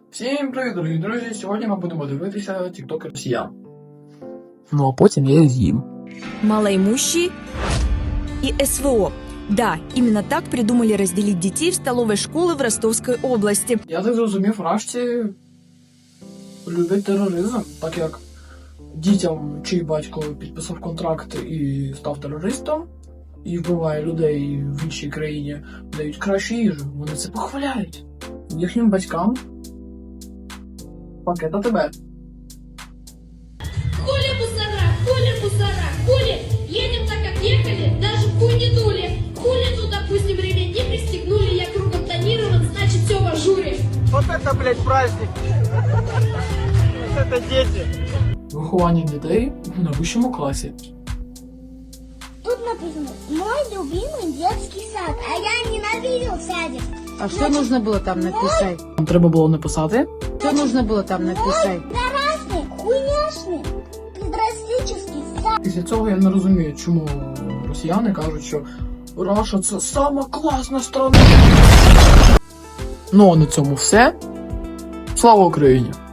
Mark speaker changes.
Speaker 1: Всім привіт, дорогі друзі! Сьогодні ми будемо дивитися тіктоки росіян. Ну а потім я їх з'їм.
Speaker 2: Малоимущие и СВО. Да, именно так придумали разделить детей в столовой школы в Ростовской области.
Speaker 1: Я так зрозумів, рашці люблять тероризм, так як дітям, чий батько підписав контракт і став терористом, і вбиває людей в іншій країні, дають кращу їжу. Вони це похваляють. Їхнім батькам пакет АТБ.
Speaker 3: Хули мусора, хули, едем так, как ехали, даже хуй не дули. Хули, ну, допустим, ремень не пристегнули, я кругом тонирован, значит, все в ажуре.
Speaker 4: Вот это, блядь, праздник. Вот это дети.
Speaker 1: Виховання дітей на вищому класі.
Speaker 5: Тут написано «Мой любимый детский сад», а я ненавидел садик.
Speaker 6: А что нужно было там написать?
Speaker 1: Нам треба було написати.
Speaker 6: Что нужно было там написать?
Speaker 5: Красный, хуйняшный, педрастический сад.
Speaker 1: Після цього я не розумію, чому росіяни кажуть, що Раша це сама класна страна. Ну а на цьому все. Слава Україні!